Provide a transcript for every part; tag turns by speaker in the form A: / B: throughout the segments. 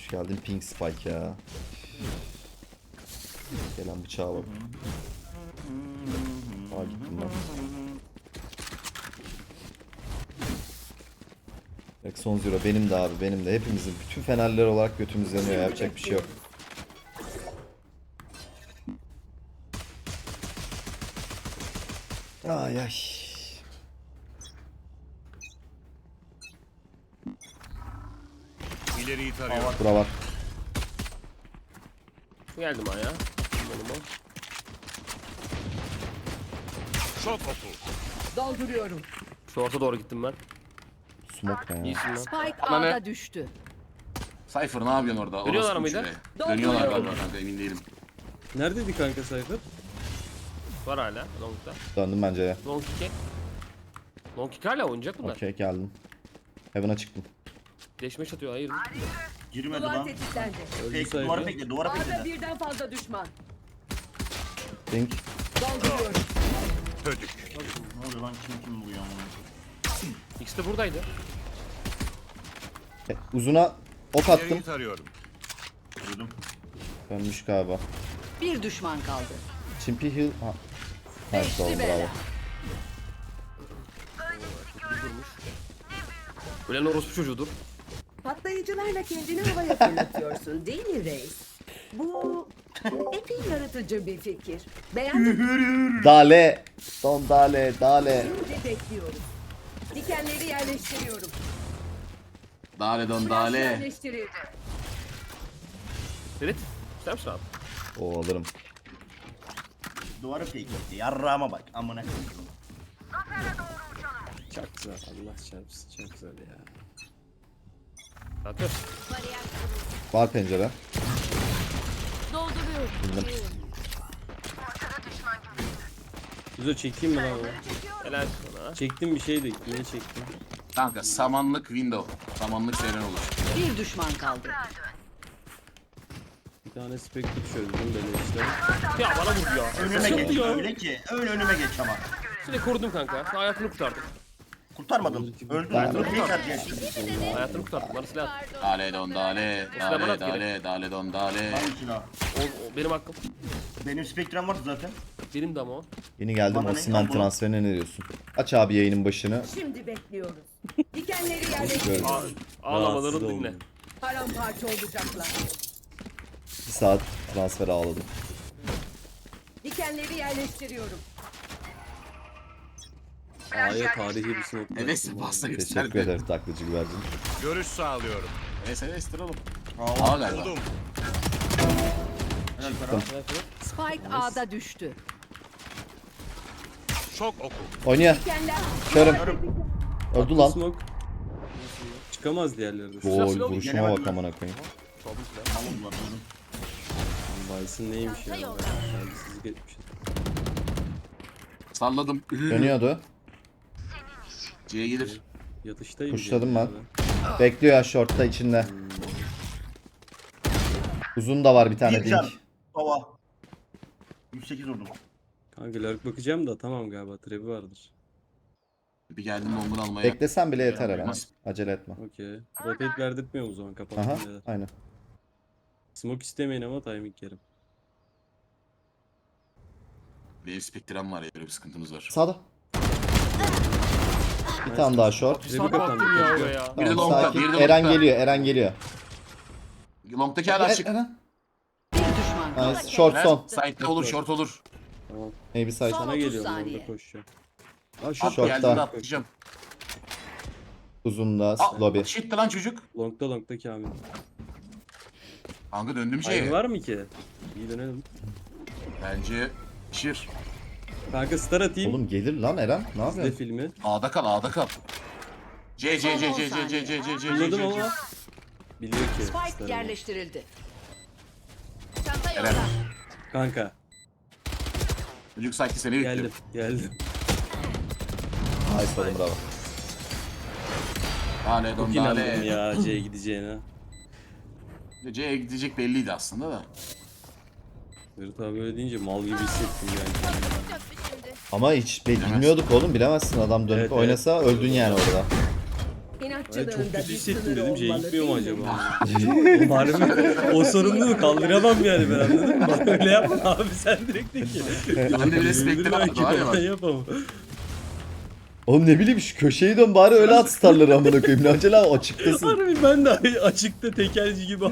A: Hoş geldin Pink Spike ya. Gelen bıçağa bak. Aa gittim ben. Exxon Zero benim de abi, benim de, hepimizin, bütün fenerler olarak götümüz yanıyor, yapacak bir şey yok. Ay ay.
B: İleriyi tarıyor.
A: Bura var.
C: Geldim aya.
B: Çok oku.
D: Dolduruyorum.
C: Short'a doğru gittim ben.
A: Smoke ne ya?
C: İyisin lan.
D: Spike
E: Ama ne?
D: A'da düştü.
E: Cypher ne yapıyorsun orada?
C: Dönüyorlar
E: Orospu
C: mıydı?
E: şuraya. Dönüyorlar galiba kanka, emin değilim.
F: Neredeydi kanka Cypher?
C: Var hala long'da.
A: Döndüm bence ya.
C: Long kick'e. Long kick hala oynayacak bunlar.
A: Okey geldim. Heaven'a çıktım.
C: Deşmeş atıyor hayır.
G: Girmedi
D: Duvar
G: lan.
D: tetiklendi.
F: Öldü
G: Fake, duvara
F: Cypher.
G: bekle, duvara
D: A'da
G: bekle.
D: birden fazla düşman.
A: Pink.
D: Dolduruyorum.
B: Hödük.
G: Ne oluyor lan, kim bu ya?
C: İkisi de buradaydı.
A: Uzuna ok attım.
B: İleriyi tarıyorum.
G: Duydum.
A: Dönmüş galiba.
D: Bir düşman kaldı.
A: Chimpy Hill. Ha. Nice oldu, bravo.
C: Ölen orospu çocuğudur.
D: Patlayıcılarla kendini havaya fırlatıyorsun değil mi Reis? Bu epey yaratıcı bir fikir. Beğendim.
A: Dale. Son dale, dale.
D: Şimdi bekliyoruz. Dikenleri yerleştiriyorum.
E: Dale don
D: Flash
E: dale.
D: yerleştirildi.
C: Ferit. İster misin abi?
A: O alırım.
G: Duvara fake etti. Yarrağıma bak. Amına koyayım.
F: Çok güzel, Allah çarpsın, çok güzel ya.
C: Zaten.
A: Var pencere.
F: Güzel çekeyim mi lan onu?
C: Helal sana.
F: Çektim bir şey de, niye çektim?
E: Kanka samanlık window. Samanlık seyren olur.
D: Bir düşman kaldı.
F: Bir tane Spectre çözdüm böyle işte.
C: Ya bana vurdu ya.
G: Önüme geç.
C: ya.
G: Öyle ki. Öyle önüme geç ama.
C: Seni korudum kanka. Sen hayatını kurtardın.
G: Kurtarmadım. Öldüm. Fake atacaksın.
C: Hayatını kurtardın. Bana silah at.
E: Dale don dale.
C: Silah bana
E: Dale
C: at geri.
E: dale. Dale don dale.
G: Hangi silah?
C: O benim hakkım.
G: Benim spektrum vardı zaten.
C: Benim de ama o.
A: Yeni geldim,
G: Bana ne
A: Osimhen
G: lan bu?
A: transferine ne diyorsun? Aç abi yayının başını.
D: Şimdi bekliyoruz. Dikenleri yerleştiriyorum.
C: Ağlamaları
F: Rahatsız
C: dinle.
F: oldum.
D: Paramparça olacaklar.
A: Bir saat transfer ağladım.
D: Dikenleri yerleştiriyorum.
F: A'ya tarihi bir smoke.
E: Evet pasta
A: Teşekkür
E: gösterdi.
A: ederim taklacı güvercin.
B: Görüş sağlıyorum.
E: Evet oğlum.
G: Aa,
E: Aa galiba.
B: Buldum.
D: Spike A'da düştü.
B: Çok oku.
A: Oynuyor.
D: Dikenler
A: Körüm. Öldü lan.
F: Smoke. Çıkamaz diğerleri de.
A: Gol
C: Silah
A: vuruşuma
G: Yenemedim
A: bak
G: ben.
A: amına koyayım.
G: Tamam ulan, duydum.
F: Bison neymiş ya? Saygısızlık etmişiz.
E: Salladım.
A: Dönüyordu.
E: C'ye gelir.
F: Yatıştayım.
A: Pushladım
F: diye.
A: ben. Bekliyor ya shortta içinde. Uzun da var bir tane
G: Bir can.
A: dink.
G: Baba. 108 vurdum.
F: Kanka lurk bakacağım da tamam galiba trebi vardır.
E: Bir geldim bombunu almaya.
A: Beklesen bile yeter herhalde.
E: Olmaz.
A: Acele etme.
F: Okey. Rotate verdirtmiyor o zaman kapattım
A: Aha
F: beyler.
A: aynen.
F: Smoke istemeyin ama timing yerim.
E: Benim spektrum var ya, böyle bir sıkıntımız var.
A: Sağda. Bir tane daha short.
C: Bir saat baktım ya oraya.
E: Bir de
A: Tamam,
E: longta,
A: sakin.
E: bir de
A: Eren
E: longta.
A: geliyor, Eren geliyor.
E: Long'taki hala açık.
A: Eren.
D: bir düşman kaldı.
A: Nice. Short son.
E: Side'de olur, short olur.
F: Tamam.
A: Maybe side.
D: Son
F: Sana
D: 30
F: geliyorum
D: saniye.
F: orada koşacağım. Aa
E: Short
F: short
A: Short'ta.
E: geldiğinde atlayacağım.
A: Uzunda
E: Aa,
A: lobby.
E: shit'ti lan çocuk.
F: Long'da Kamil.
E: Kanka döndüm
F: Hayır
E: şeye.
F: var mı ki? İyi dönelim.
E: Bence şir.
F: Kanka star atayım.
A: Oğlum gelir lan Eren. Ne
F: Sizde
A: yapıyorsun?
F: filmi.
E: A'da kal, A'da kal. C.
F: Anladım ama. Biliyor ki.
D: Spike
F: star'ı.
D: yerleştirildi.
E: Eren.
F: Kanka
E: Çocuk sanki seni bekliyor.
F: geldim.
A: Nice oğlum bravo.
E: Dale
F: Çok
E: don
F: inandım
E: dale.
F: ya C'ye gideceğine.
E: C'ye gidecek belliydi aslında da.
F: Ferit abi öyle deyince mal gibi hissettim yani.
A: Ama hiç bilmiyorduk oğlum, bilemezsin, adam dönüp
F: Evet,
A: oynasa öldün yani orada.
D: İnanç İnatçılığında
F: çok kötü
D: bir
F: hissettim
D: sınır
F: dedim.
D: olmalı,
F: Gitmiyor mu
D: değil mi?
F: acaba? Harbi o sorumluluğu kaldıramam yani ben, anladın mı? Bana öyle yapma abi, sen direkt de ki.
E: Ben de bir respekte
F: belki
E: var ya bak.
F: ben yapamam.
A: Oğlum ne bileyim şu köşeyi dön bari öyle at starları amına koyayım. Ne acele açıktasın.
F: Harbi ben de açıkta tekelci gibi ama.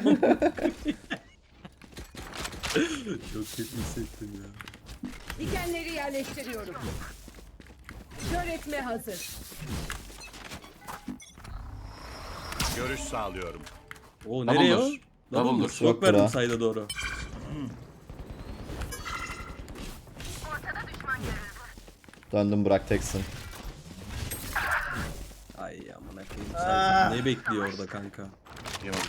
F: Çok kötü hissettim ya.
D: Dikenleri yerleştiriyorum. Kör etme hazır.
B: Görüş sağlıyorum.
F: O nereye o?
E: Double'dır. Double'dır.
F: Smoke
A: Yoktur
F: verdim
A: ha.
F: sayda doğru.
A: Döndüm Burak teksin.
F: Ay amına koyayım. Sayda ne bekliyor orada kanka?
E: Yemedim.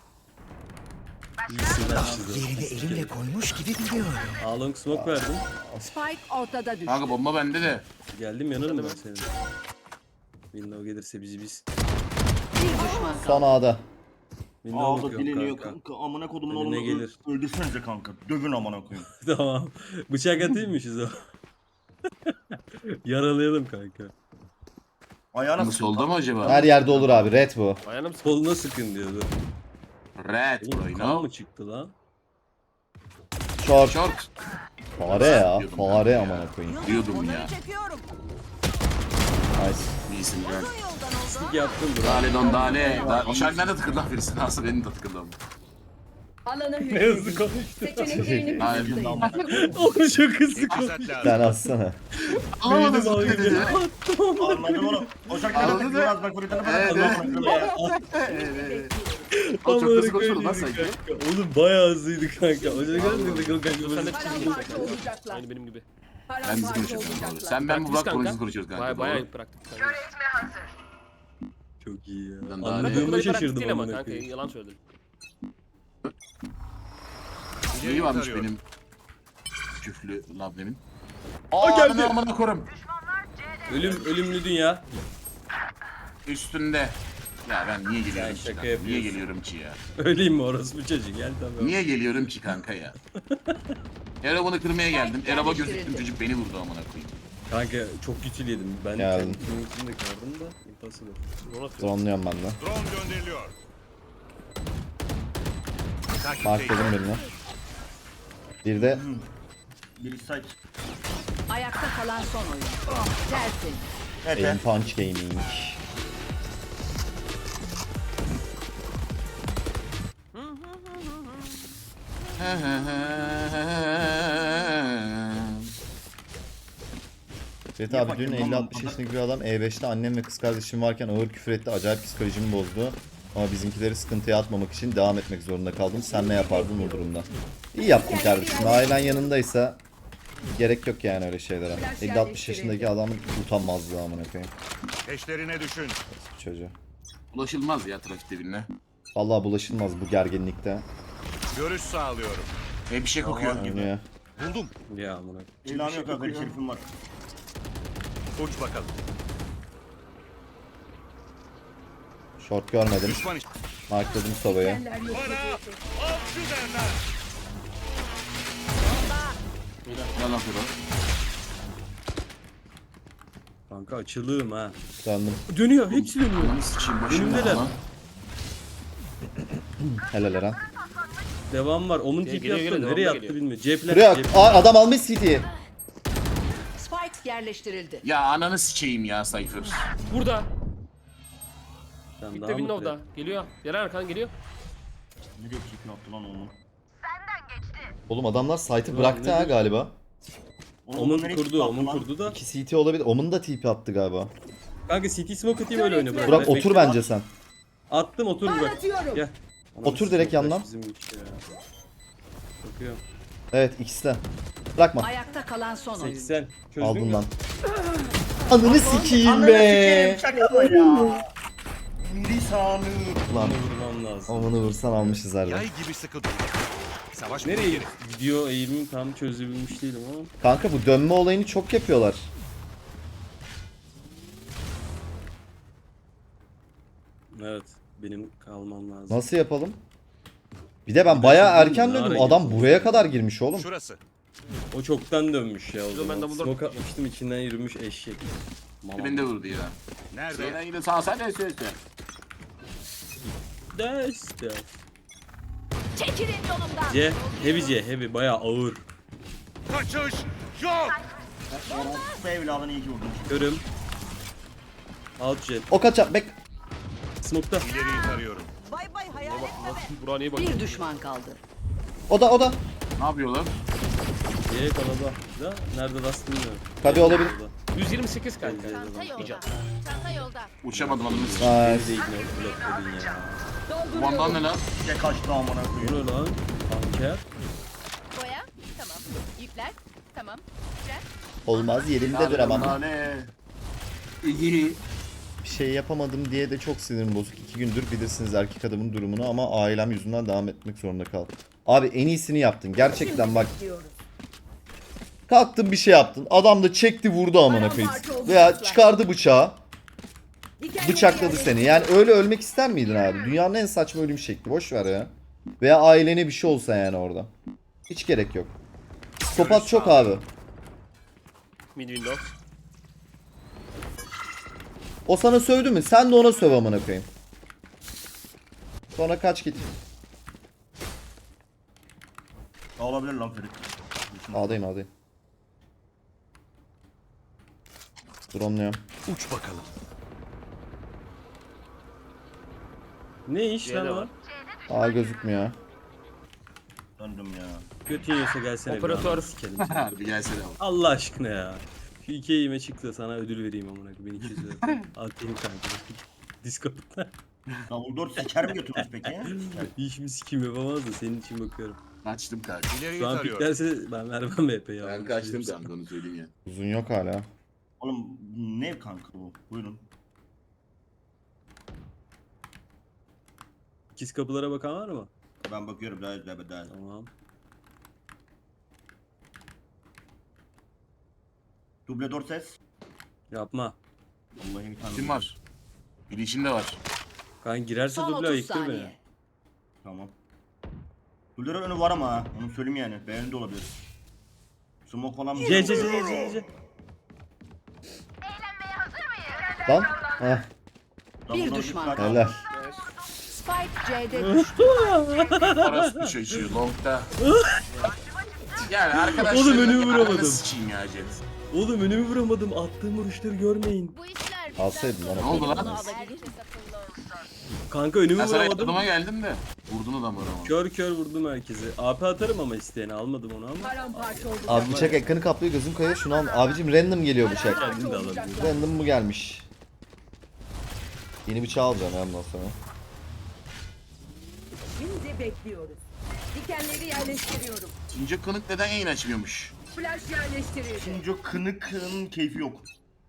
F: İyisin lan size.
H: Yerini elimle koymuş gibi biliyorum.
F: Along smoke verdim.
D: Spike ortada düştü.
E: Kanka bomba bende de.
F: Geldim yanarım ben senin. Window gelirse biz.
D: Bir düşman
A: Son A'da.
F: Window
G: Ağda
F: bakıyorum
G: dileniyor
F: kanka.
G: kanka. Amına kodumun
F: Önüne
G: oğlunu
F: gelir.
G: öldürsenize kanka. Dövün amına koyayım.
F: Tamam. Bıçak atayım mı size? Yaralayalım kanka.
G: Ayağına
E: Ama
G: sıkın
E: solda
G: kanka.
E: mı acaba?
A: Her yerde olur abi. Red bu.
C: Ayağına mı sıkı?
F: Koluna sıkın diyordu.
E: Red bro,
F: Oğlum
E: you
F: kan
E: know?
F: mı çıktı lan?
A: Short.
E: Short.
A: Fare ya.
E: Diyordum
A: Fare
E: ya.
A: amına koyayım.
E: Diyordum ya.
A: Nice.
E: İyisin Red.
F: Stick yaptım bro.
E: Dale don dale. O şarkı nerede tıkırdı lan birisi? Nasıl benim de tıkırdı ama.
D: Alana
F: Ne hızlı
D: hükmedin.
F: konuştu.
D: Seçeneklerini
E: Hayır.
D: kısıtlayın.
F: Oğlum çok hızlı
B: İki
F: konuştu.
B: set lazım.
A: Sen atsana.
E: Anlamadım
F: Beynim
E: zıplıyor
F: ağrıyor.
E: dedi.
G: Anladım oğlum. O şarkı nerede
E: Anladın
G: tıkıyor
E: mı?
G: az bak buraya tarafa.
E: Evet, O çok hızlı konuşuyordu lan sanki.
F: Oğlum bayağı hızlıydı kanka. O yüzden
C: Sen de
F: kanka.
D: Paramparça olacaklar.
C: Aynı benim gibi.
E: Ben hızlı
D: Paramparça
E: konuşuyorum.
D: olacaklar.
E: Sen ben bu Burak
C: Kanka.
E: hızlı konuşuyoruz kanka.
C: Baya
E: doğru.
C: baya bıraktık. Kanka.
F: Çok iyi ya.
E: Ben daha
C: Bu
F: Anladığıma
C: kadar
F: şaşırdım
C: değil ama
F: amına
C: kanka
F: koyayım.
C: yalan söyledin.
E: İyi varmış
B: Tarıyorum.
E: benim küflü labnemin.
F: geldi.
E: Amına korum.
F: Ölümlü dünya.
E: Üstünde. Ya ben niye geliyorum
F: Sen
E: ki?
F: şaka
E: Niye
F: yapıyorsun.
E: geliyorum ki ya?
F: Öleyim mi orası bu çocuk? Gel tamam.
E: Niye geliyorum ki kanka ya? Erob'unu kırmaya geldim. Erob'a gözüktüm, çocuk beni vurdu amına koyayım.
F: Kanka çok kötü yedim. Ben
A: Geldim.
F: kendimin içinde kaldım da impossible.
A: Dronluyorum ben de.
B: Drone gönderiliyor.
A: Markladım birini. Bir de
G: Biri site.
D: Ayakta kalan son oyun. Dersin.
G: Evet.
A: Aim Punch Gaming. Evet abi dün
G: bakayım,
A: 50-60 yaşındaki bir adam E5'te annem ve kız kardeşim varken ağır küfür etti. Acayip psikolojimi bozdu. Ama bizimkileri sıkıntıya atmamak için devam etmek zorunda kaldım. Sen ne yapardın bu durumda? İyi yaptın kardeşim. Ailen yanındaysa gerek yok yani öyle şeylere. 50-60 yaşındaki adamın utanmazlığı amına koyayım.
B: Peşlerine düşün.
A: Çocuğu.
E: Ulaşılmaz ya trafikte birine.
A: Vallahi bulaşılmaz bu gerginlikte.
B: Görüş sağlıyorum.
E: Bir şey kokuyor.
A: Oynuyor.
B: Buldum.
F: Ya amına.
G: İlanı yok kanka. Şerifim var.
B: Uç bakalım.
A: Short görmedim.
B: Düşman iş.
A: Markladım sobayı.
D: Dikenler yok.
B: Bana avcı derler.
E: Yalan Fero.
F: Kanka açılığım ha.
A: Döndüm.
F: Dönüyor. Hepsi dönüyor.
E: Ananı sıçayım başımda
F: Önümdeler.
E: lan.
A: Helal Eren.
F: Devam var. Onun
C: Geliyor,
F: tipi yaptı.
C: geliyor,
F: Nereye
C: devamlı
F: attı
C: geliyor.
F: bilmiyorum. Cepler.
A: Buraya
F: cep-
A: adam almış CT'yi.
D: Spike yerleştirildi.
E: Ya ananı sıçayım ya Cypher.
C: Burada.
F: Sen
C: Bitti
F: daha mı
C: Windows'da. Geliyor. Gelen arkadan geliyor.
G: Nereye çekim yaptı lan onu?
A: Oğlum adamlar site'ı
F: Ulan
A: bıraktı ha
F: nedir?
A: galiba.
F: Omun
G: nereye
F: kurdu.
G: çekim
F: Omun
G: yaptı lan?
F: kurdu da.
A: 2 CT olabilir. Omun da TP attı galiba.
F: Kanka CT smoke atayım öyle oyna.
D: Burak,
A: Burak
F: Ben
A: otur
F: bekle-
A: bence sen.
F: Attım otur Burak.
D: Atıyorum.
F: Gel.
A: Otur direkt
F: Smoke'lar
A: yandan.
F: bizim güç ya. Bakıyorum.
A: Evet ikisi de. Bırakma.
D: Ayakta kalan son oyun.
F: 80. Çözdün
A: Aldın
F: mü?
A: lan. Ananı sikeyim
G: Ananı
A: be.
G: sikeyim şaka ya. Lisanı.
A: Lan
F: Bunu vurmam lazım.
A: onu vursan almışız herhalde.
B: Yay gibi sıkı dur. Savaş
F: Nereye
B: geri.
F: gidiyor eğimimi tam çözebilmiş değilim ama.
A: Kanka bu dönme olayını çok yapıyorlar.
F: Evet. Benim kalmam lazım.
A: Nasıl yapalım? Bir de ben bayağı erken
F: Ne
A: döndüm.
F: ara
A: Adam
F: girdin?
A: buraya kadar girmiş oğlum.
B: Şurası.
F: O çoktan dönmüş ya o
C: Yo,
F: zaman.
C: ben double door
F: Smoke
C: tutacağım.
F: atmıştım içinden yürümüş eşek. Mama.
E: Beni de vurdu ya.
B: Nerede?
E: Şeyden yine sağ sen ne söylüyorsun?
F: Des.
I: Çekilin yolumdan.
F: C. Heavy C. Heavy. Bayağı ağır.
B: Kaçış yok.
G: Bu evladını iyi ki vurdun.
F: Görüm. Out jet.
A: O kaçak bek.
F: Smoke'ta.
B: İleriyi tarıyorum.
I: Bay bay hayal etme be.
C: Burak'a niye bakıyorsun?
D: Bir düşman kaldı.
A: O da.
E: Ne yapıyorlar?
F: C kalada. Da nerede rast bilmiyorum.
A: Tabii olabilir.
C: 128 kanka.
I: Çanta yolda. Çanta yolda.
E: Uçamadım adamı.
A: Nice.
F: Değil ne blok dedin ya.
E: Kumandan ne lan?
G: Bir de kaçtı amına
F: Bu
G: koyayım.
F: ne lan? Anker.
I: Boya. Tamam. Yükler. Tamam. Yükler.
A: Olmaz yerimde duramam.
E: Ne? İyi.
A: Bir şey yapamadım diye de çok sinirim bozuk. 2 gündür bilirsiniz erkek adamın durumunu ama ailem yüzünden devam etmek zorunda kaldım. Abi en iyisini yaptın. Gerçekten bak.
D: Diyoruz.
A: Kalktın bir şey yaptın. Adam da çekti vurdu amına koyayım. Veya çıkardı bıçağı. Bıçakladı seni. Yani öyle ölmek ister miydin abi? Dünyanın en saçma ölüm şekli. Boş ver ya. Veya ailene bir şey olsa yani orada. Hiç gerek yok. Psikopat çok abi.
C: Mid window.
A: O sana sövdü mü? Sen de ona söv amına koyayım. Sonra kaç git.
G: Olabilir lan Ferit.
A: A'dayım. Drone'luyorum.
B: Uç bakalım.
F: Ne iş
C: C'de
F: lan o?
C: var.
A: A gözükmüyor.
G: Döndüm ya.
F: Götün yiyorsa gelsene.
C: Operatör.
F: Bir sikelim.
E: Harbi gelsene abi.
F: Allah aşkına ya. Şu 2 eğime çıktı sana ödül vereyim amına koyayım. 1200 lira. Al benim kanka. Discord'da.
G: Davul 4 seker mi götürmüş peki?
F: Hiç mi sikim yapamaz da senin için bakıyorum.
E: Açtım kanka.
B: İleriyi
F: Şu an
B: tarıyorum.
F: piklerse ben vermem EP ya.
E: Ben kaçtım kanka onu söyleyeyim ya.
A: Uzun yok hala.
G: Oğlum ne kanka bu? Buyurun.
F: İkiz kapılara bakan var mı?
G: Ben bakıyorum daha.
F: Tamam.
G: Duble 4 ses.
F: Yapma.
G: Vallahi bir tane.
E: Kim var? Bilişinde var.
F: Kan girerse
D: Son
F: duble
D: 30
F: ayıktır
D: saniye.
F: beni.
G: Tamam. Duble önü var ama ha. Onu söyleyeyim yani. Beğeni de olabilir. Smoke falan mı?
F: C.
A: Lan. Heh,
D: Bir düşman kaldı.
A: helal.
D: Spike C'de düştü.
E: Orası çocuğu longda. Yani arkadaşlar.
F: Oğlum önümü vuramadım.
E: Sıçayım ya Jet.
F: Oğlum önümü vuramadım. Attığım vuruşları görmeyin.
I: Bu işler
A: Alsaydın lan.
E: Ne oldu lan?
I: alabilir.
F: Kanka önümü
E: Ben sana
F: vuramadım.
E: yardıma geldim de. Vurdun adam vuramadım.
F: Kör vurdum herkesi. AP atarım ama isteyene almadım onu ama.
D: Paramparça oldu.
A: Abi bıçak ekranı kaplıyor gözüm kayıyor şunu al. Abicim random geliyor bıçak.
F: Kendim de alabilirim.
A: Random mu gelmiş? Yeni bıçağı alacağım ya bundan sonra.
D: Şimdi bekliyoruz. Dikenleri yerleştiriyorum.
E: Since Kınık neden yayın açmıyormuş?
D: Flash yerleştirildi.
G: Şimdi o kınıkın keyfi yok.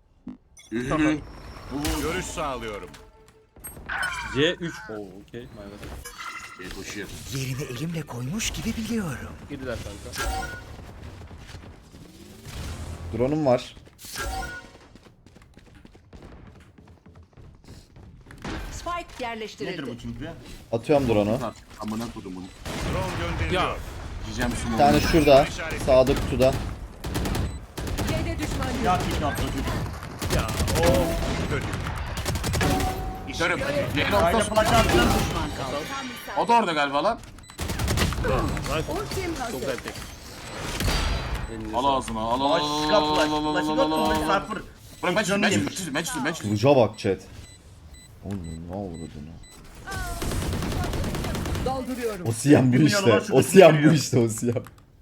B: Görüş sağlıyorum.
F: C3. Oo okey. My bad.
E: Koşuyor.
H: Yerini elimle koymuş gibi biliyorum.
C: Girdiler kanka.
A: Drone'um var.
D: Spike yerleştirildi.
G: Nedir bu çünkü?
A: Atıyorum drone'u.
E: Artık amına kodum bunu.
B: Drone gönderiliyor.
C: Ya.
E: Yiyeceğim su
A: Bir tane şurada. Sağda kutuda.
D: C'de düşman
G: Ya
D: görüldü.
G: kitle atla çocuk.
B: Ya o kötü.
E: Görüm. Yayın
G: Aile
E: ortası.
G: flash attı.
D: Düşman kaldı.
E: O da orada galiba lan.
D: Ultim
C: Çok
D: hazır.
C: güzel tek.
F: Elinize
E: Al
F: sağlık.
E: ağzına. Al al
G: Flash
E: al
G: kap
E: al
G: flash.
E: al al al
G: Flash'ı
E: al al
G: yok.
E: al.
G: Cypher.
E: Bırak ben
G: Canını yemiş.
E: çizdim.
A: Kılıca bak chat. Oğlum ne avradını.
D: Dolduruyorum.
A: O siyam bu
G: 1
A: işte.
G: milyon var,
A: O siyam bu işte o siyam.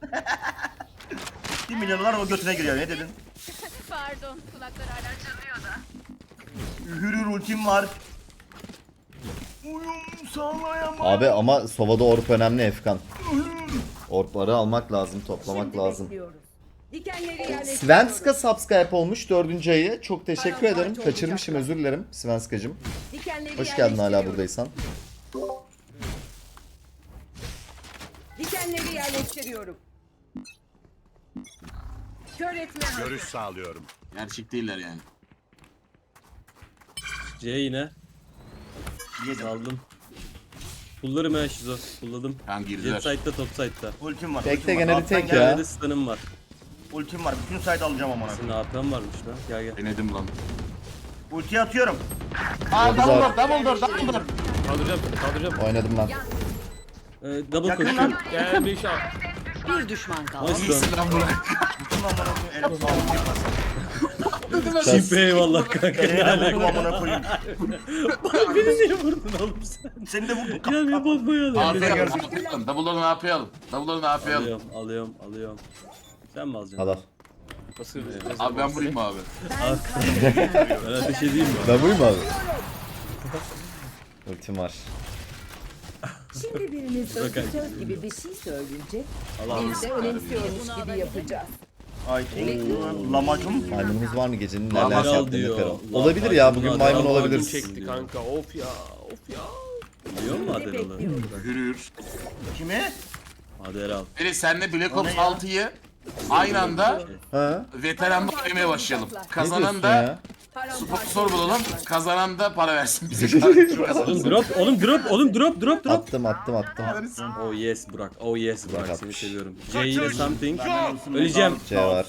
G: 1 milyonlar o götüne giriyor. Ne dedin?
I: Pardon. Kulaklar hala çalıyor da.
G: Hürür ultim var. Uyum sağlayamam.
A: Abi ama Sova'da orp önemli Efkan. Orpları almak lazım, toplamak
D: Şimdi
A: lazım.
D: bekliyoruz. Dikenleri yerleştiriyorum.
A: Svenska subscribe olmuş 4. ayı. Çok teşekkür ederim. Kaçırmışım özür dilerim Svenskacım.
D: Dikenleri
A: Hoş geldin hala
D: yerleştiriyorum.
A: buradaysan.
D: Dikenleri yerleştiriyorum. Kör etme hazır.
B: Görüş sağlıyorum.
E: Gerçek değiller yani.
F: C yine.
G: Yedim.
F: Aldım. Pullarım ha şizo. Pulladım.
E: Tamam
F: Jet
E: girdiler.
F: side'da top side'da.
G: Ultim var.
A: Tek
G: ultim
A: de
G: var.
A: gene bir
G: Alttan
A: tek
G: gel.
A: ya.
F: Nerede stun'ım var.
G: Ultim var. Bütün site alacağım amına.
F: Senin AP'm varmış lan. Gel gel.
E: Denedim lan.
G: Ultiyi atıyorum.
E: Aa
A: Double door.
E: double door.
C: Kaldıracağım seni, kaldıracağım.
A: Oynadım ben.
F: Double
G: Yakın
F: koşuyorum.
G: lan.
C: Gel bir şey al.
D: Bir düşman kaldı.
F: Nice
E: İyisin
F: lan.
E: lan Burak.
G: Bütün amına koyayım.
F: Çimpe eyvallah kanka. Ne
G: Eline vurdum
F: alaka?
G: amına koyayım.
F: Beni niye vurdun oğlum sen?
G: Seni de vurdum.
F: Ya bir bombayı alayım.
E: AP alalım. Double'larını AP alalım. Double'larını AP alalım.
F: Alıyorum. Sen mi alacaksın?
A: Al al.
C: Nasıl?
E: Abi ben vurayım mı abi?
F: Ben ateş edeyim mi?
A: Ben buyum abi. Ultim var.
D: Şimdi biriniz
F: Bakın.
D: söz gibi bir şey söyleyecek.
F: Allah'ım.
D: Biz de önemsiyormuş gibi yapacağız.
G: Ay lamacım.
A: Maymunumuz var mı gecenin
E: Lan
A: neler
F: Admiral
A: yaptığını
F: diyor.
A: Ferol?
F: Lan
A: Olabilir ya,
F: maymun,
A: bugün
F: Admiral
A: maymun
F: maymun
A: olabiliriz.
C: Çekti kanka, of ya.
F: Biliyor musun Adderall'ı?
E: Yürür.
G: Kime?
F: Adderall.
E: Biri senle Black Ops
G: O ne ya?
E: 6'yı aynı anda
A: Ha?
E: veteranlık oynamaya başlayalım.
A: Ne
E: Kazanan
A: diyorsun
E: da
A: ya?
E: sponsor bulalım. Kazanan da para versin bize.
F: Oğlum drop.
A: Attım.
F: Oh yes Burak. Oh yes Burak. Seni
A: atmış.
F: seviyorum. C ile something.
G: Benden olsun.
F: Öleceğim.
A: C var.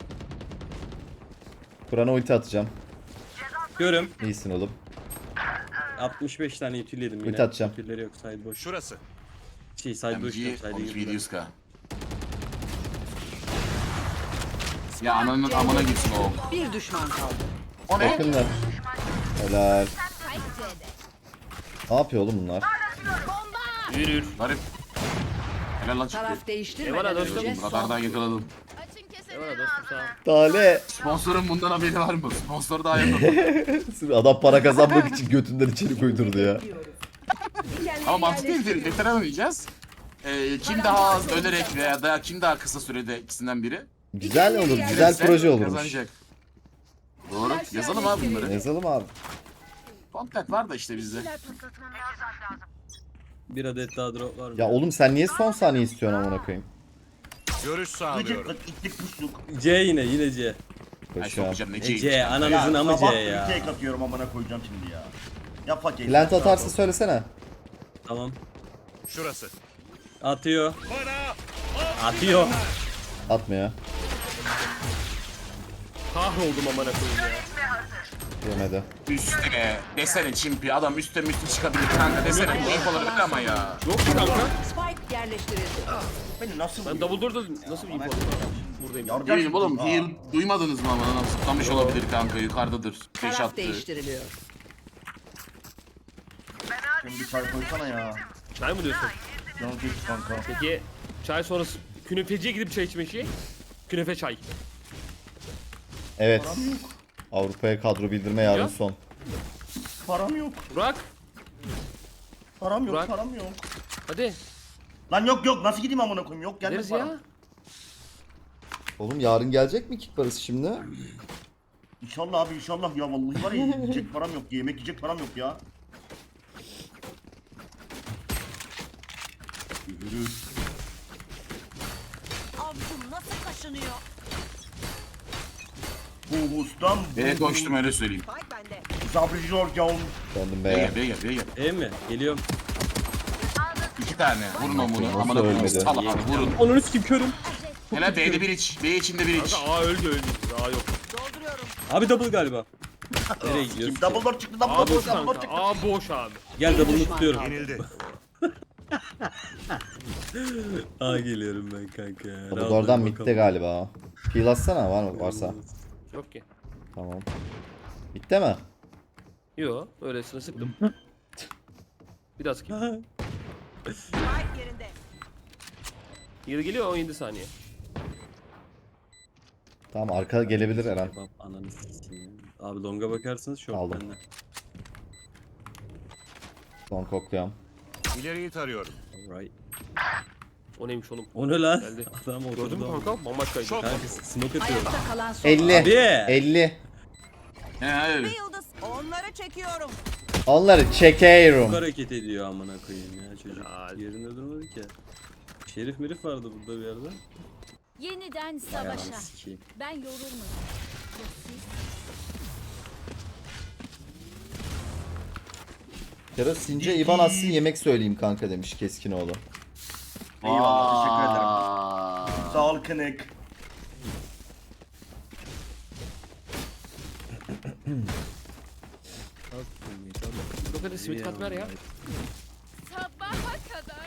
A: Kur'an'a ulti atacağım.
F: Görüm.
A: İyisin oğlum.
F: 65 tane ütül yedim yine.
A: Ulti atacağım.
F: Ütülleri yok. Side boş.
B: Şurası.
F: Side boş yok.
E: MG
F: Side
E: 12
F: girdiler.
E: 700k. Ya ananın amına gitsin o.
D: Bir düşman kaldı.
E: O ne?
A: Yakınlar. Helal.
I: Spike C'de.
A: Ne yapıyor oğlum bunlar?
C: Yürür.
E: Garip. Helal lan çıktı.
D: Taraf
C: Eyvallah
D: değiştirmeden
C: dostum.
D: önce son.
E: Radardan yakaladım.
I: Açın kesene.
C: Eyvallah dostum sağ ol.
A: Tale.
E: Sponsorun bundan haberi var mı? Sponsor daha yakaladım.
A: Adam para kazanmak için götünden içeri koydurdu ya.
E: Ama mantıklı değil. Veteran oynayacağız. Kim daha az ölerek veya da kim daha kısa sürede ikisinden biri.
A: Güzel olur. Güzel
E: Girerse
A: proje olurmuş.
E: Kazanacak. Doğru. Yazalım abi bunları.
A: Yazalım abi.
E: Contact var da işte bizde.
F: Bir adet daha drop var mı?
A: Ya oğlum sen niye son saniye istiyorsun amına koyayım?
B: Görüş sağlıyorum.
G: Gıcıklık, itlik puşluk.
F: C yine C.
E: Ay
A: Koşuyorum.
E: sokacağım ne
F: C
E: C.
F: ananızın amı C
G: sabah
F: ya.
G: tek atıyorum amına koyacağım şimdi ya. Ya fakir.
A: Plant atarsa söylesene.
F: Tamam.
B: Şurası.
F: Atıyor.
B: Bana
F: Atıyor.
A: Atmıyor.
C: Kahroldum amına koyayım ya.
A: Yemedi.
E: Üste desene çimpi adam üste çıkabilir kanka desene. Ayıp olur öyle ama ya.
C: Yok ki kanka.
D: Spike yerleştirildi.
G: Beni nasıl
C: Ben double door'da nasıl bir info alayım? Buradayım.
G: Yardım
E: Değilim oğlum.
G: Aa.
E: Heal duymadınız mı ama adam zıplamış olabilir kanka yukarıdadır. Beş
D: Taraf
E: attı.
D: değiştiriliyor.
G: Şimdi bir çay koysana ya.
C: Çay mı diyorsun?
G: Canım çekti kanka.
C: Peki çay sonrası künefeciye gidip çay içmek şey. Künefe çay.
A: Evet. Avrupa'ya kadro bildirme yarın
C: Ya.
A: son.
G: Param yok.
C: Burak.
G: Param yok.
C: Burak.
G: Param yok.
C: Hadi.
G: Lan yok nasıl gideyim amına koyayım yok gelmez
C: Gideriz
G: param.
C: ya.
A: Oğlum yarın gelecek mi kick parası şimdi?
G: İnşallah abi inşallah ya vallahi var ya yiyecek param yok yemek yiyecek param yok ya. Yürü.
I: Avcum nasıl kaşınıyor?
G: Bu ustam
E: B'ye koştum öyle söyleyeyim.
I: Spike bende.
G: Sabri Jorgen.
A: Döndüm
E: B'ye
A: be.
E: gel B'ye gel B'ye gel.
F: E mi? Geliyorum.
E: 2 tane. Vurun onu.
A: Nasıl
E: Amına koyayım.
A: ölmedi?
E: Sal abi vurun.
F: Onun üstü körüm.
E: Helal B'de bir iç. B içinde bir iç.
C: Kanka A öldü. A yok.
I: Dolduruyorum.
F: Abi double galiba. Nereye gidiyorsun?
G: Kim double door çıktı
C: A
G: double door
C: boş
G: double door
C: kanka.
G: çıktı.
C: A boş abi.
F: Gel double'ını
D: düşman
F: tutuyorum.
D: kaldı.
B: Yenildi.
F: Aa geliyorum ben kanka. ya.
A: Bu
F: Rahat
A: oradan
F: ol
A: midde
F: bakalım.
A: galiba. Peel atsana var mı varsa.
C: Yok ki.
A: Tamam. Bitti mi?
C: Yo öylesine sıktım. Bir daha sıkayım.
I: Spike yerinde.
C: Yıl geliyor 17 saniye.
A: Tamam arka gelebilir Eren.
F: Bab ananı sikeyim. Abi longa bakarsanız şok
A: Aldım.
F: bende.
A: Son kokluyorum.
B: İleriyi tarıyorum.
F: Alright.
C: O neymiş oğlum?
F: O ne lan?
C: Geldi.
F: Adam
C: Gördün mü
F: oturdu.
C: kanka? Bambaşkaydı.
B: Çok.
F: Kanka smoke atıyorum.
D: Ayakta kalan son.
A: 50.
F: Abi.
A: 50.
E: He öyle.
I: Yıldız. Onları çekiyorum.
A: Onları
F: Çok
A: çekeyorum.
F: hareket ediyor amına koyayım ya çocuk.
C: Ya.
F: Yerinde durmadı ki. Şerif merif vardı burada bir yerde.
I: Yeniden
F: Ayağını
I: savaşa.
F: sikeyim.
I: Ben yorulmadım. Ya siz?
A: Kero Since İvan atsın yemek söyleyeyim kanka demiş Keskinoğlu.
G: Eyvallah teşekkür ederim.
E: Aa.
G: Sağ ol kınık.
C: Hadi simit kat ver ya.
I: Sabaha kadar.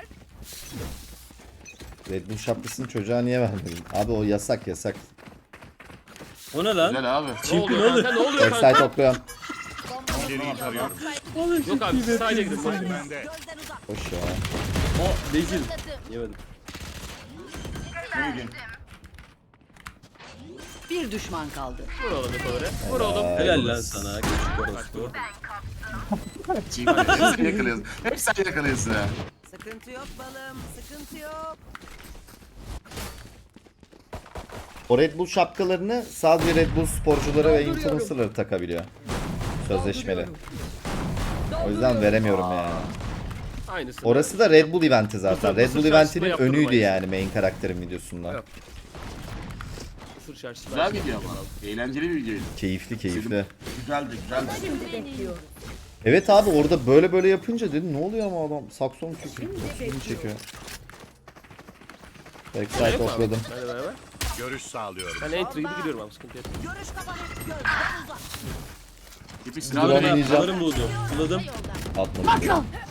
A: Red Bull şapkasını çocuğa niye vermedin? Abi o yasak yasak.
F: O ne lan?
E: Güzel abi.
C: Ne
F: Çimpi
C: oluyor
F: ne oluyor?
C: kanka? Ne oluyor
A: Backside
C: kanka?
A: topluyorum.
B: İleriyi tarıyorum.
C: Yok abi siz sadece gidin.
B: Bende.
I: Gözden uzak.
A: Hoş ya.
F: O Beyzil. Yemedim.
G: Ne yedin?
I: Bir düşman kaldı.
C: Vur oğlum yukarı. Vur oğlum.
F: Helal lan sana küçük orospu.
E: Hep sen yakalıyorsun. Hep sen yakalıyorsun ha.
I: Sıkıntı yok balım. Sıkıntı yok.
A: O Red Bull şapkalarını sadece Red Bull sporcuları ve influencerları takabiliyor. Sözleşmeli. O yüzden veremiyorum yani.
C: Aynısı.
A: Orası da Red Bull eventi zaten.
C: Mısır
A: Red Bull
C: çarşısında
A: eventinin
C: yaptırdım
A: önüydü
C: aynısını.
A: yani main karakterin videosunda.
C: Evet. Mısır çarşısı.
E: Güzel video ama. Eğlenceli bir videoydu.
A: Keyifli keyifli.
G: Güzeldi güzeldi.
D: Şimdi bekliyorum.
A: Evet abi orada böyle yapınca dedim ne oluyor ama adam sakson çekiyor. Saksonu çekiyor. Backside topladım.
C: Hadi beraber.
B: Görüş sağlıyorum.
C: Ben entry gibi gidiyorum abi sıkıntı yok.
I: Görüş kapanır. Gözden uzak.
E: Tipik
A: Drone
E: silah böyle.
A: oynayacağım.
F: Alırım buldum. Buladım.
A: Atmadım.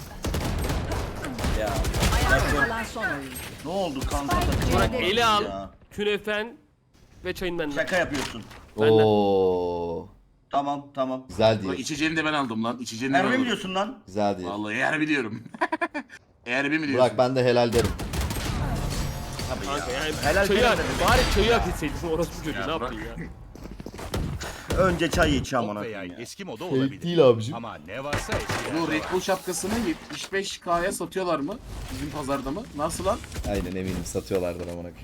F: Ya.
I: Ayakta kalan son oyuncu.
G: Ne oldu kanka?
C: Burak eli al.
G: Ya.
C: Künefen ve çayın benden.
G: Şaka yapıyorsun.
A: Oo.
G: Tamam.
A: Güzel
E: Ulan
A: değil.
E: içeceğini de ben aldım lan. İçeceğini de ben
G: Harbi mi
E: aldım.
G: diyorsun lan?
A: Güzel değil.
E: Vallahi eğer biliyorum. Eğer mi diyorsun?
A: Burak ben de helal derim.
C: Kanka yani
G: Helal
C: çayı
G: helal
C: hak,
G: demek.
C: bari çayı hak etseydin orospu çocuğu ne
E: Ya
C: yaptın ya?
G: Önce çay iç amına
B: Top veya
G: koyayım ya.
B: eski moda
A: Fake
B: olabilir.
A: değil abicim.
B: Ama ne varsa eski.
E: Bu Red Bull şapkasını 75K'ya satıyorlar mı? Bizim pazarda mı? Nasıl lan?
A: Aynen eminim satıyorlardır amına koyayım.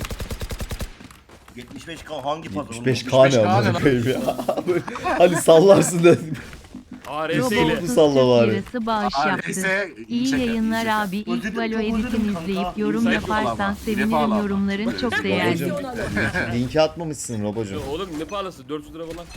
G: 75K hangi pazar?
A: 75K ne
E: 75K
A: amına
E: ne
A: koyayım ya. Hani sallarsın da.
C: ARS
A: Robot.
C: ile.
A: Salla bari.
J: Lirası bağış
E: Aa,
J: yaptı.
E: neyse,
J: İyi
E: şaka,
J: yayınlar
E: şaka.
J: abi. İlk
G: Özledim,
J: Valo
G: çok özledim
J: editini
G: kanka.
J: izleyip yorum
E: Sayfa
J: yaparsan
E: bağlama,
J: sevinirim.
E: bağlama.
J: Yorumların çok değerli.
A: Robocuğum. Linki atmamışsın Robocuğum.
C: Oğlum ne pahalısı 400 lira falan.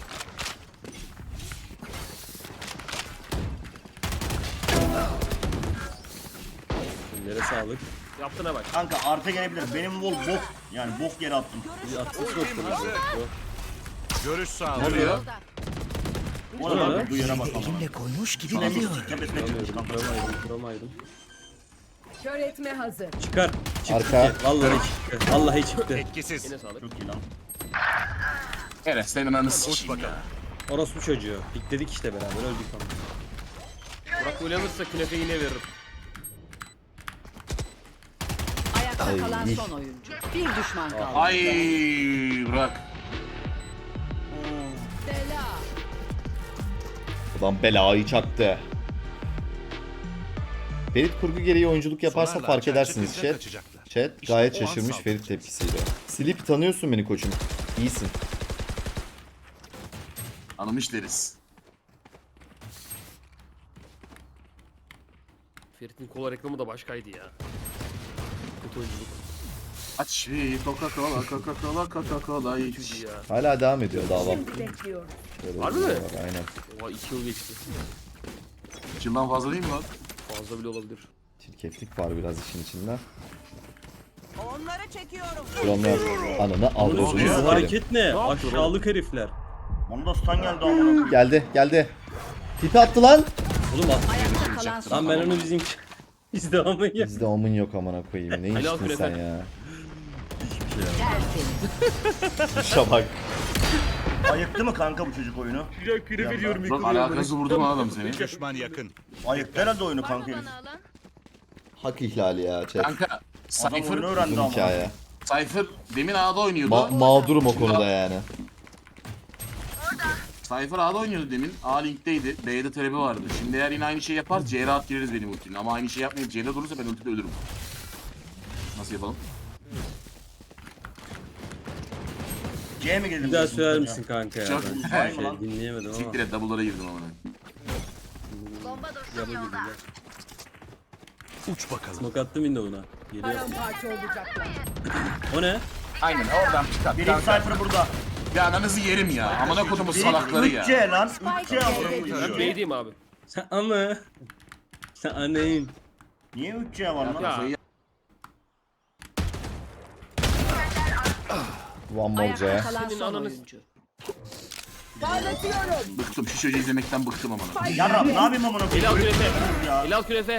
F: Nereye sağlık.
C: Yaptığına bak.
G: Kanka arta gelebilir. Benim wall bok. Yani bok yere attım.
F: Bir atmış yok.
B: Görüş
E: Ne
B: sağlıyorum.
E: oluyor?
G: O
F: Ne
G: da
F: lan?
G: bak bu yere bak ama.
H: Elimle koymuş gibi
G: Tepesine
H: biliyorum.
G: tepesine çıkmış kanka.
F: Kuramaydım.
D: Kör etme hazır.
F: Çıkar. Çıktı
A: Arka.
F: ki. Vallahi çıktı. Vallahi çıktı.
B: Etkisiz.
C: Yine sağlık.
G: Çok iyi lan.
E: Evet senin ananı
B: Uç
E: sikeyim ya.
B: bakalım.
F: Orospu çocuğu. Pikledik işte beraber öldük ama.
C: Burak böyle alırsa künefe yine veririm.
I: Ayakta
A: Ay.
I: kalan son oyuncu. Bir düşman kaldı.
E: Ay Burak.
I: Bela.
A: Adam belayı çaktı. Ferit kurgu gereği oyunculuk yaparsa
B: Sonarlar
A: fark
B: çerçe
A: edersiniz
B: peşine
A: chat.
B: kaçacaklar.
A: Chat
B: İşte
A: gayet
B: o an
A: şaşırmış
B: saldı.
A: Ferit tepkisiyle. Sleep tanıyorsun beni koçum. İyisin.
E: Anlamış deriz.
C: Ferit'in kola reklamı da başkaydı ya. Kötü oyunculuk.
E: Aç bir Coca-Cola iç.
C: Kötüydü ya.
A: Hala devam ediyor dava.
D: Şimdi bekliyorum.
A: Şöyle
C: Harbi mi?
A: var, aynen.
C: Oha 2 yıl geçti.
E: Yıldan fazla değil mi lan?
C: Fazla bile olabilir.
A: Çirkeflik var biraz işin içinde.
I: Onları çekiyorum.
A: Şuranlar ananı
F: Bu
A: alıyorsunuz.
F: hareket ne?
C: yaptın
F: Aşağılık herifler.
G: Bana da stun geldi amına koyayım.
A: Geldi. Tipi attı lan.
F: Oğlum at.
I: Ayakta kalan son
F: Lan ben onu bizim... Biz devamı ya.
A: Bizde omun yok amına koyayım. Ne
C: Helal
A: içtin
C: künefe.
A: sen ya?
I: tertemiz.
A: İşe bak.
G: Ayıktı mı kanka bu çocuk oyunu?
C: Güzel künefe diyorum
E: Burak alakası vurdu mu adam seni?
B: Düşman yakın.
G: Ayıktı herhalde oyunu kanka herif.
A: Hak ihlali ya chat.
E: Kanka
G: Adam
E: Cypher,
G: oyunu öğrendi
A: Uzun
G: ama.
A: hikaye.
E: Cypher demin A'da oynuyordu.
A: Mağdurum o konuda yani.
E: Cypher A'da oynuyordu demin. A linkteydi. B'de talebi vardı. Şimdi eğer yine aynı şey yapar C rahat gireriz benim ultimle. Ama aynı şey yapmayıp C'de durursa ben ultide ölürüm. Nasıl yapalım?
G: C mi geldim?
F: Bir daha söyler misin kanka ya?
E: Çok-
F: Ben
G: Var mı lan?
F: dinleyemedim ama.
E: Siktir et double'lara girdim ama.
F: Yaba gibi ya.
B: Uç bakalım.
F: Smoke attım window'una. Geliyor.
D: Paramparça olacaklar.
F: O ne?
E: Aynen oradan çıkart.
G: Birinci Cypher burada.
E: Ya ananızı yerim ya. Amına kodumun salakları ya.
G: 3C lan. 3C amına
C: Ben
G: koyayım.
C: B'deyim abi.
F: Sen ama. Sen annen.
G: Niye 3C var lan?
C: Ya.
A: One more
I: Ayakta
A: C.
I: kalan
C: Senin
I: son
C: ananı-
I: oyuncu.
D: Parlatıyorum.
E: Bıktım. Şu çocuğu izlemekten bıktım amına.
G: Yarrab ne yapayım amına
C: El al
G: koyayım?
C: künefe.
G: Ya.
C: El al künefe.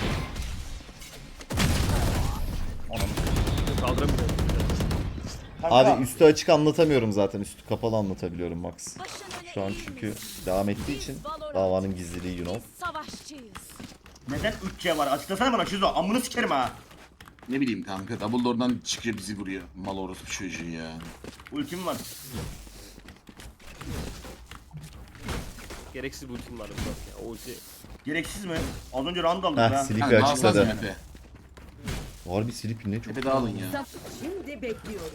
C: Kaldıramıyorum.
G: Kanka,
A: Abi üstü açık anlatamıyorum zaten. Üstü kapalı anlatabiliyorum Max. Şu an çünkü devam ettiği için davanın gizliliği you know.
I: Savaşçıyız.
G: neden 3C var? Açıklasana bana Şizo. Amını sikerim ha.
E: Ne bileyim kanka. Dumbledore'dan çıkıyor bizi vuruyor. Mal orospu çocuğu ya.
G: Ultim var.
C: Gereksiz bir ultim var. Ya, o ulti.
G: Gereksiz mi? Az önce round aldık
A: Heh
G: ha.
A: Sleepy
E: Kanka daha fazla
A: açıkladı.
E: Efe.
A: Harbi Sleepy ne çok.
E: Efe dağılın ya.
D: Şimdi bekliyoruz.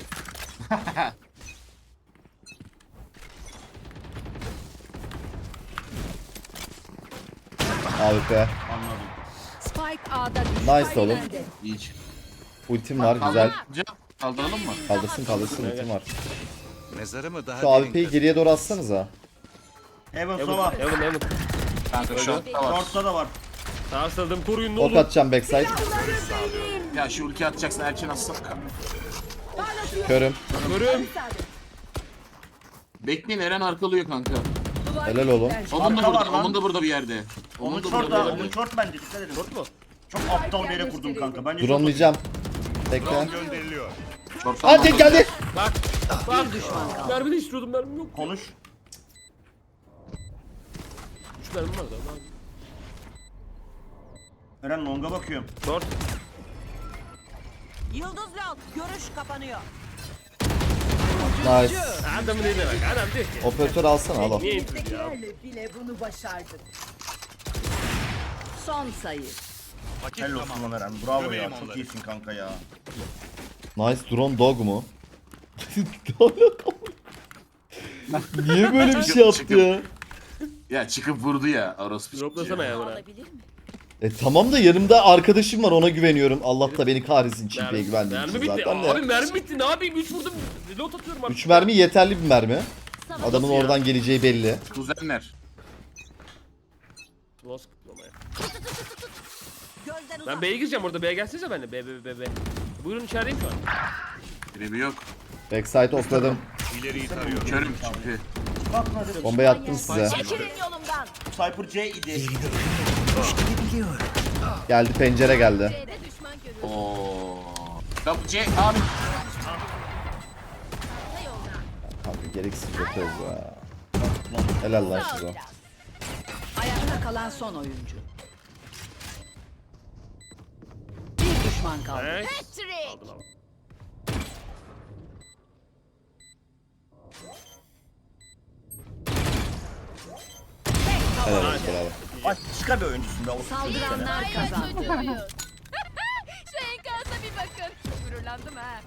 A: AWP.
G: Anladım.
I: Spike A'da düştü.
A: Nice oğlum.
E: Hiç.
A: Ultim var güzel.
E: Kaldıralım mı?
A: Kaldırsın ultim var.
B: Mezarımı daha
A: Şu
B: derin
A: AWP'yi geriye doğru atsanıza.
G: Heaven Sova.
C: Evan.
E: Kanka short'ta var.
G: Short'ta da var.
C: Sarsadım koruyun ne
A: Ok
C: olur.
A: atacağım backside.
E: Ya şu ulti atacaksın erken atsana.
A: Körüm.
C: Görüyorum.
E: Bekleyin Eren arkalıyor kanka.
A: Helal oğlum.
E: Onun da
G: Arka var
E: burada,
G: lan.
E: onun da burada bir yerde.
G: Onun
E: da
G: short'ta,
E: bir
G: onun
E: yerde.
G: short bence dikkat edin.
C: Short mu?
G: Çok aptal bir yere kurdum kanka. Bence short
A: Drone'layacağım. Bekle.
B: gönderiliyor.
E: Short'tan
A: Hadi
E: aldım.
A: geldi.
C: Bak. Bak.
I: Bir düşman kaldı.
C: Mermi de istiyordum mermim yok.
G: konuş.
C: 3 mermim var da. Abi.
G: Eren longa bakıyorum.
C: Short.
I: Yıldız Lal. Görüş kapanıyor.
A: Nice.
C: Adamın eline bak. Adam diyor ki.
A: Operatör alsana al.
C: Niye intirdi ya?
D: Bizdekilerle bile bunu başardık.
I: Son sayı.
B: Vakit
G: Helal olsun
B: tamam.
G: lan Eren. Bravo ya.
B: Gömelim
G: Çok
B: onları.
G: iyisin kanka ya.
A: Nice drone dog mu? Niye böyle bir şey yaptı ya?
E: Ya çıkıp vurdu ya orospu
C: Droplasana
E: çocuğu.
C: ya bana.
A: Tamam da yanımda arkadaşım var ona güveniyorum. Allah da beni kahretsin çiftliğe güvendiğim
C: Mermi
A: için
C: bitti.
A: zaten
C: Abi
A: de.
C: mermi bitti. Ne yapayım? 3 vurdum. Reload atıyorum artık.
A: 3 mermi yeterli bir mermi. Adamın
C: Nasıl ya?
A: oradan geleceği belli.
E: Kuzenler.
C: Nasıl kutlamaya?
I: Gözden uzak.
C: Ben B'ye gireceğim orada. B'ye gelsenize benimle. B. Buyurun içerideyim şu an.
E: Trebi yok.
A: Backside okladım.
B: İleriyi tarıyorum.
E: Körüm çünkü.
G: Bak hadi.
A: Bombayı attım size.
I: Çekilin yolumdan.
G: Cypher C idi.
H: Yerini ölümle koymuş gibi biliyorum.
A: Geldi pencere geldi.
E: Ooo. Kapı C abi.
A: Kanka gereksiz yapıyoruz ya. Helal lan size.
I: Ayakta kalan son oyuncu. Bir düşman kaldı.
C: Evet. Aldım aldım.
A: Helal olsun bravo.
G: Başka bir oyuncusun be. o
I: Saldıranlar kazandı.
J: Şu enkaza bir bakın. Gururlandım ha.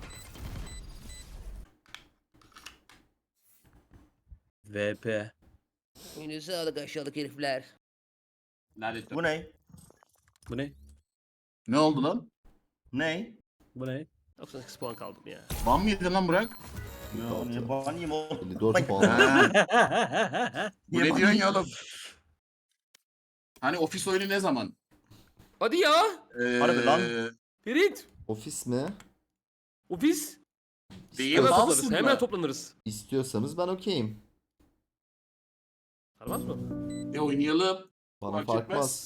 F: VP.
C: Yine sağlık aşağılık herifler.
E: Lanet.
G: Bu ne?
F: Bu ne?
E: Ne oldu lan?
G: Ne?
F: Bu ne?
C: 98 puan kaldım ya.
E: Ban mı yedin lan Burak?
G: Ya niye banayım oğlum?
A: 54 puan.
E: Ha. Bu
G: Niye
E: ne diyorsun ya
G: banayım?
E: oğlum? Hani ofis oyunu ne zaman?
C: Hadi ya.
G: Harbi lan.
C: Ferit.
A: Ofis mi?
C: Ofis.
E: Değil
C: Hemen
E: aslında.
C: toplanırız. Hemen toplanırız.
A: İstiyorsanız ben okeyim.
C: Sarmaz mı?
E: Oynayalım.
A: Bana
E: Fark
A: fark
E: etmez.
A: etmez.